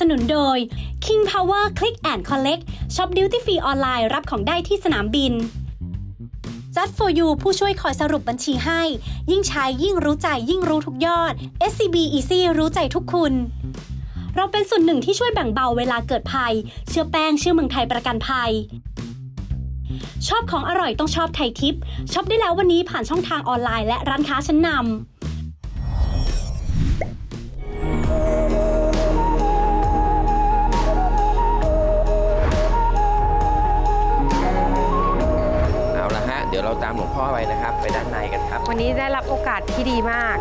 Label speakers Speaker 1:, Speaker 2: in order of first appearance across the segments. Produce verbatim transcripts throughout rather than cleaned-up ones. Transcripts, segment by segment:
Speaker 1: นุนโดย King Power Click and Collect ช็อป Duty Free ออนไลน์รับของได้ที่สนามบิน Just for You ผู้ช่วยคอยสรุปบัญชีให้ยิ่งใช้ยิ่งรู้ใจยิ่งรู้ทุกยอด เอส ซี บี Easy รู้ใจทุกคุณเราเป็นส่วนหนึ่งที่ช่วยแบ่งเบาเวลาเกิดภัยเชื่อแป้งเชื่อเมืองไทยประกันภัยชอบของอร่อยต้องชอบไทยทิปช็อปได้แล้ววันนี้ผ่านช่องทางออนไลน์และร้านค้าชั้นนำ
Speaker 2: เดี๋ยวเราตามหลวงพ่อไปนะครับไปด้านในกันครับ
Speaker 3: วันนี้ได้รับโอกาสที่ดีมาก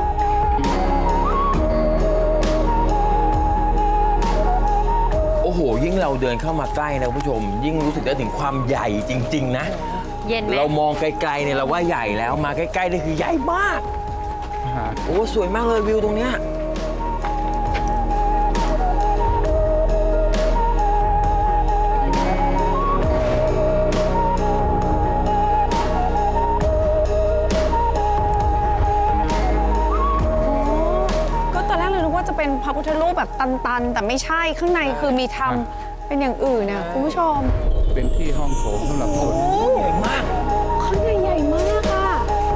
Speaker 2: โอ้โหยิ่งเราเดินเข้ามาใกล้นะคุณผู้ชมยิ่งรู้สึกได้ถึงความใหญ่จริงๆนะ
Speaker 3: เย็นไหม
Speaker 2: เรามองไกลๆเนี่ยเราว่าใหญ่แล้วมาใกล้ๆนี่คือใหญ่มากโอ้สวยมากเลยวิวตรงเนี้ย
Speaker 4: เป็นพระพุทธรูปแบบตันๆแต่ไม่ใช่ข้างในคือมีทำเป็นอย่างอื่นนะคุณผู้ชม
Speaker 5: เป็นที่ห้องโถงสำหรับคน
Speaker 2: ใหญ่มาก
Speaker 4: ข้างในใหญ่มากอ่ะ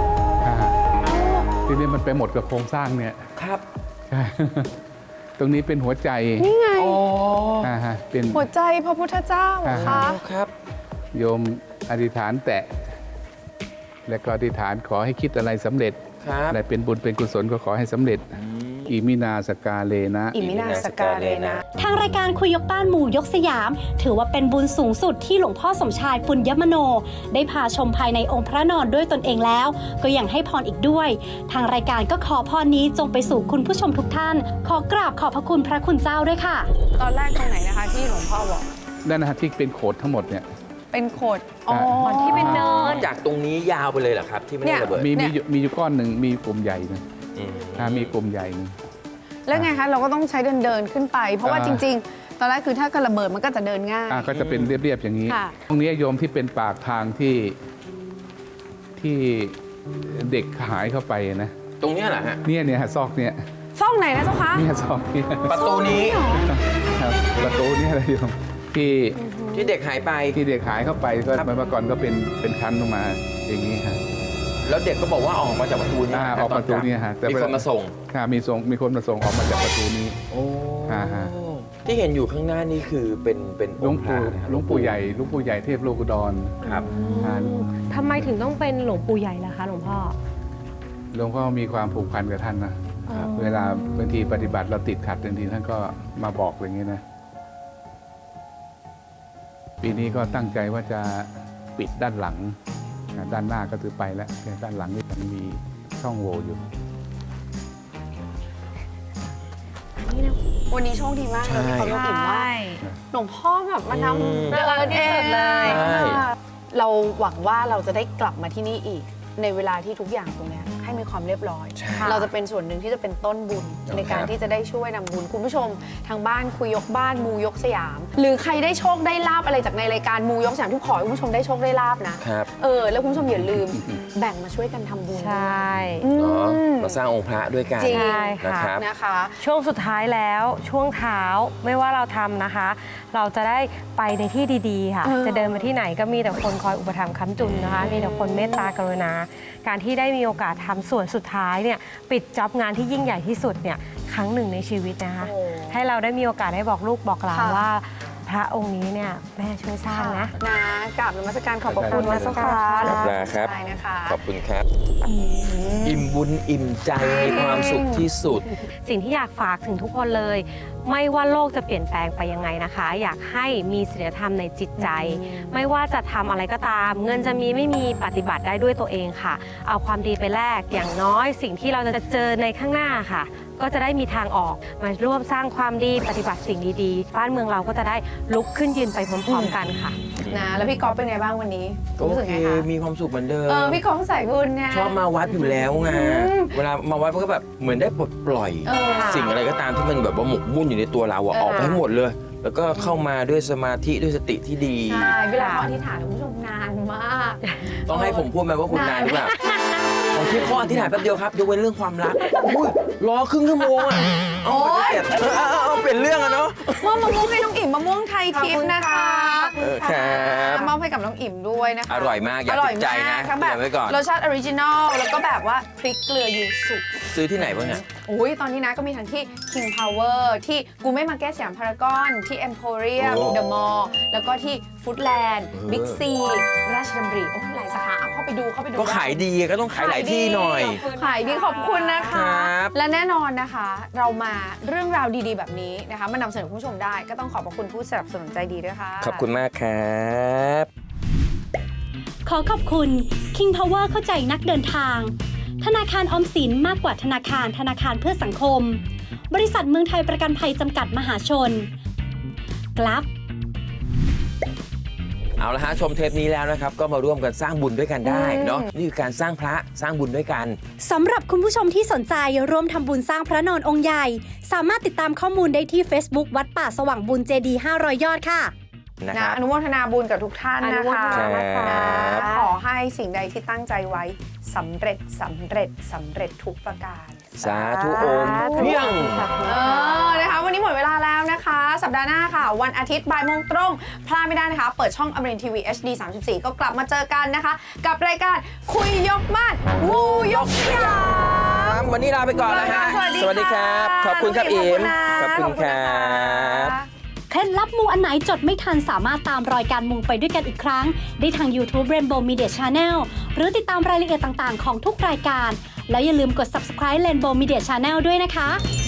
Speaker 5: ทีนี้มันไปหมดกับโครงสร้างเนี่ย
Speaker 2: ครับ
Speaker 5: ใช่ตรงนี้เป็นหัวใจ
Speaker 4: นี่ไง
Speaker 2: อ๋อ
Speaker 5: เป็น
Speaker 4: หัวใจพระพุทธเจ้าค่ะ
Speaker 2: ครับ
Speaker 5: โยมอธิษฐานแตะและก็อธิษฐานขอให้คิดอะไรสำเร็จอะไรเป็นบุญเป็นกุศลก็ขอให้สำเร็จอิมินาสกาเลนะ
Speaker 4: อิมินาสกาเลนะ
Speaker 1: ทางรายการคุยยกบ้านหมู่ยกสยามถือว่าเป็นบุญสูงสุดที่หลวงพ่อสมชายปุญญมโนได้พาชมภายในองค์พระนอนด้วยตนเองแล้วก็ยังให้พรอีกด้วยทางรายการก็ขอพรนี้จงไปสู่คุณผู้ชมทุกท่านขอกราบขอบพระคุณพระคุณเจ้าด้วยค่ะ
Speaker 4: ตอนแรกตรงไหนนะคะที่หลวงพ่อบอก
Speaker 5: นั่นนะที่เป็นโขดทั้งหมดเนี่ย
Speaker 4: เป็นโขดอ๋อ
Speaker 3: ที่เป็นเนิน
Speaker 2: จากตรงนี้ยาวไปเลยเหรอครับที่ไม่ได้ระเบิด
Speaker 5: มีมีมีอยู่ก้อนหนึ่งมีกลุ่มใหญ่นะมีกลุ่มใหญ่นึง
Speaker 4: แล้วไงคะเราก็ต้องใช้เดินเดินขึ้นไปเพราะว่าจริงๆตอนแรกคือถ้ากระเบิดมันก็จะเดินง่าย
Speaker 5: ก็จะเป็นเรียบๆอย่างนี้ตรงนี้โยมที่เป็นปากทางที่ที่เด็กหายเข้าไปนะ
Speaker 2: ตรงนี้เหรอฮะ
Speaker 5: เนี่ยเนี่ยซอกเนี่ย
Speaker 4: ซอกไหนนะเจ้าคะ
Speaker 5: เนี่ยซอกเนี่ย
Speaker 2: ประตูนี้
Speaker 5: ครับประตูเนี่ยอะไรโยมที่
Speaker 2: ที่เด็กหายไป
Speaker 5: ที่เด็กหายเข้าไปก็เมื่อก่อนก็เป็นเป็นชั้นลงมาอย่างนี้ครับ
Speaker 2: แล้วเด็กก็บอกว่าออกมาจากประตูนี้
Speaker 5: ออกประตูนี้ฮะ
Speaker 2: มีคนมาส่ง
Speaker 5: ค่ะมีส่งมีคนมาส่งออกมาจากประตูนี้
Speaker 2: โอ้ที่เห็นอยู่ข้างหน้านี่คือเป็นเป็น
Speaker 5: หลวงปู่หลวงปู่ใหญ่หลวงปู่ใหญ่เทพโลกุฎร
Speaker 2: ครับ
Speaker 3: ทำไมถึงต้องเป็นหลวงปู่ใหญ่ล่ะคะหลวงพ่อ
Speaker 5: หลวงพ่อมีความผูกพันกับท่านนะเวลาบางทีปฏิบัติเราติดขัดบางทีท่านก็มาบอกอย่างนี้นะปีนี้ก็ตั้งใจว่าจะปิดด้านหลังด้านหน้าก็ถือไปแล้วแต่ด้านหลังนี่มันมีช่องโหว่อยู่
Speaker 4: วันนี้โชคดีมากเลยเขาอิ่มว่าหลวงพ่อแบบมานำเดินที่สุดเลยเราหวังว่าเราจะได้กลับมาที่นี่อีกในเวลาที่ทุกอย่างตรงนี้ให้มีความเรียบร้อยเราจะเป็นส่วนหนึ่งที่จะเป็นต้นบุญในการที่จะได้ช่วยนำบุญคุณผู้ชมทางบ้านคุยยกบ้านมูยกสยามหรือใครได้โชคได้ลาบอะไรจากในรายการมูยกสยามทุกขอให้คุณผู้ชมได้โชคได้ลาบนะเออแล้วคุณผู้ชมอย่าลืมแบ่งมาช่วยกันทำบุญ
Speaker 3: ใช่
Speaker 2: มาสร้างองค์พระด้วยกัน
Speaker 3: นะครับนะคะช่วงสุดท้ายแล้วช่วงเท้าไม่ว่าเราทำนะคะเราจะได้ไปในที่ดีๆค่ะจะเดินมาที่ไหนก็มีแต่คนคอยอุปถัมภ์ค้ำจุนนะคะมีแต่คนเมตตากรุณาการที่ได้มีโอกาสทำส่วนสุดท้ายเนี่ยปิดจ็อบงานที่ยิ่งใหญ่ที่สุดเนี่ยครั้งหนึ่งในชีวิตนะคะให้เราได้มีโอกาสได้บอกลูกบอกหลานว่าพระองค์นี้เนี่ยแม่ช่วยสร้างนะ
Speaker 4: นะกราบนมัสการขอบพระคุณนะเจ้าค่ะ
Speaker 2: ครับขอบคุณครับอิ่มบุญอิ่มใจมีความสุขที่สุด
Speaker 3: สิ่งที่อยากฝากถึงทุกคนเลยไม่ว่าโลกจะเปลี่ยนแปลงไปยังไงนะคะอยากให้มีศีลธรรมในจิตใจไม่ว่าจะทำอะไรก็ตามเงินจะมีไม่มีปฏิบัติได้ด้วยตัวเองค่ะเอาความดีไปแลกอย่างน้อยสิ่งที่เราจะเจอในข้างหน้าค่ะก็จะได้มีทางออกมาร่วมสร้างความดีปฏิบัติสิ่งดีๆบ้านเมืองเราก็จะได้ลุกขึ้นยืนไปพร้อมๆกันค่ะ
Speaker 4: นะแล้วพี่ก๊อฟเป็นไงบ้างวันนี้
Speaker 2: รู้สึกไงคะมีความสุขเหมือนเดิม
Speaker 4: เออพี่ก๊อฟใส่บุญไง
Speaker 2: ชอบมาวัดอยู่แล้วไงเวลามาวัดมันก็แบบเหมือนได้ปลดปล่อยสิ่งอะไรก็ตามที่มันแบบว่าหมกมุ่นอยู่ในตัวเราออกไปให้หมดเลยแล้วก็เข้ามาด้วยสมาธิด้วยสติที่ดี
Speaker 4: ใช่เวลาขออธิษฐานคุณผู้ชมนานมาก
Speaker 2: ต้องให้ผมพูดไหมว่าคุณนานหรือเปล่าของทิพย์เขาอธิษฐานแป๊บเดียวครับยกเว้นเรื่องความรักอุ้ยรอครึ่งชั่วโมงอ่ะเอาไปเก็บเออเอาเอาเปลี่ยนเรื่องอะเนาะ
Speaker 4: มอบมะม่วงให้น้องอิ่มมะม่วงไทยทิพย์นะคะ
Speaker 2: เออครับ
Speaker 4: มอบให้กับน้องอิ่มด้วยนะคะ
Speaker 2: อร่อยมากอย่า
Speaker 4: อร่อย
Speaker 2: ติดใจนะ
Speaker 4: มากทั้งแบบ
Speaker 2: เก็บไว้ก่อน
Speaker 4: รสชาติออริจินอลแล้วก็แบบว่าพริกเกลือยูสุ
Speaker 2: ซื้อที่ไหนบ้างเนี่ย
Speaker 4: โอ้ยตอนนี้นะก็มีทั้งที่ King Power ที่กูไม่มาแก้สยามพารากอนที่ Emporium
Speaker 2: โอ้
Speaker 4: The Mall แล้วก็ที่ Foodland
Speaker 2: เออ
Speaker 4: Big C ราชดำริโอ้หลายสาขาเอาเข้าไปดูเข้าไปดู
Speaker 2: ก็ขายดีก็ต้องขายหลายที่หน่อย
Speaker 4: ขายดีขอบคุณนะ
Speaker 2: ครั
Speaker 4: คะ
Speaker 2: บ
Speaker 4: และแน่นอนนะคะ เรามาเรื่องราวดีๆแบบนี้นะคะมานำเสนอคุณผู้ชมได้ก็ต้องขอบพระคุณผู้สนับสนุนใจดีด้วยค่ะ
Speaker 2: ขอบคุณมากครับ
Speaker 1: ขอขอบคุณ King Power เข้าใจนักเดินทาง ธนาคารออมสินมากกว่าธนาคารธนาคารเพื่อสังคม บริษัทเมืองไทยประกันภัยจำกัดมหาชน กลับ
Speaker 2: เอาละฮะชมเทปนี้แล้วนะครับก็มาร่วมกันสร้างบุญด้วยกันได้เนาะนี่คือการสร้างพระสร้างบุญด้วยกัน
Speaker 1: สำหรับคุณผู้ชมที่สนใจร่วมทำบุญสร้างพระนอนองค์ใหญ่ สามารถติดตามข้อมูลได้ที่ Facebook วัดป่าสว่างบุญเจดีย์ห้าร้อยยอดค่ะ
Speaker 2: นะค
Speaker 4: นะ
Speaker 2: รับ
Speaker 4: อนุโมทนาบุญกับทุกท่าน
Speaker 3: อนุ
Speaker 4: นะ
Speaker 3: โม
Speaker 4: คะ
Speaker 3: ทนานะคะ
Speaker 2: ครับ
Speaker 4: ขอให้สิ่งใดที่ตั้งใจไว้สำเร็จสำเร็จสำเร็จทุกประการ
Speaker 2: สาธุโอมเพียง
Speaker 4: เออนะคะวันนี้หมดเวลาแล้วนะคะ สัปดาห์หน้าค่ะ วันอาทิตย์บ่ายโมงตรง พลาดไม่ได้นะคะ เปิดช่องอมรินทร์ทีวี เอช ดี สามสิบสี่ ก็กลับมาเจอกันนะคะ กับรายการคุยยกบ้านมูยกยาม
Speaker 2: วันนี้ลาไปก่อนนะฮะ
Speaker 4: สวัสดีค่ะ
Speaker 2: ครับ ขอบคุณครับอิม
Speaker 4: ขอบคุณนะ
Speaker 2: บ
Speaker 1: เคล็ดลับมูอันไหนจดไม่ทันสามารถตามรอยการมูไปด้วยกันอีกครั้ง ได้ทาง YouTube Rainbow Media Channel หรือติดตามรายละเอียดต่างๆของทุกรายการ แล้วอย่าลืมกด Subscribe Rainbow Media Channel ด้วยนะคะ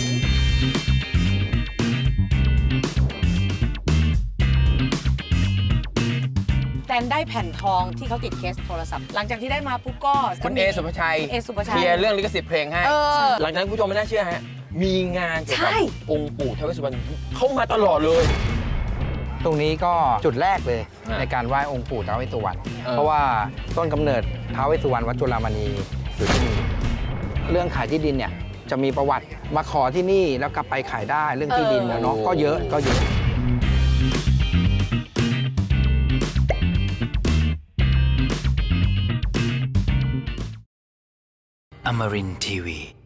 Speaker 6: แตนได้แผ่นทองที่เขาติดเคสโทรศัพท์ หลังจากที่ได้มาปุ๊บก็
Speaker 2: คุณเอสุภชัย
Speaker 6: เอสุภชั
Speaker 2: เค
Speaker 6: ย
Speaker 2: ลียร์เรื่องลิขสิทธิ์เพลงให้
Speaker 6: เออ
Speaker 2: หลังจากนั้นคุณผู้ชมไม่น่าเชื่อฮะ มีงานเกี่ยวกับ
Speaker 6: ใช่
Speaker 2: องค์ปู่ท้าวเวสสุวรรณเข้ามาตลอดเลย
Speaker 7: ตรงนี้ก็จุดแรกเลย
Speaker 2: อ่า
Speaker 7: ในการไหว้องค์ปู่ท้าวเวสสุวรรณ
Speaker 2: เออ
Speaker 7: เพราะว่าต้นกำเนิดท้าวเวสสุวรรณวัดจุฬามณีอยู่ที่นี่เรื่องขายที่ดินเนี่ยจะมีประวัติมาขอที่นี่แล้วกลับไปขายได้เรื่องที่ดินนะเนาะก็เยอะก็เยอะ
Speaker 8: Amarin Tiwi.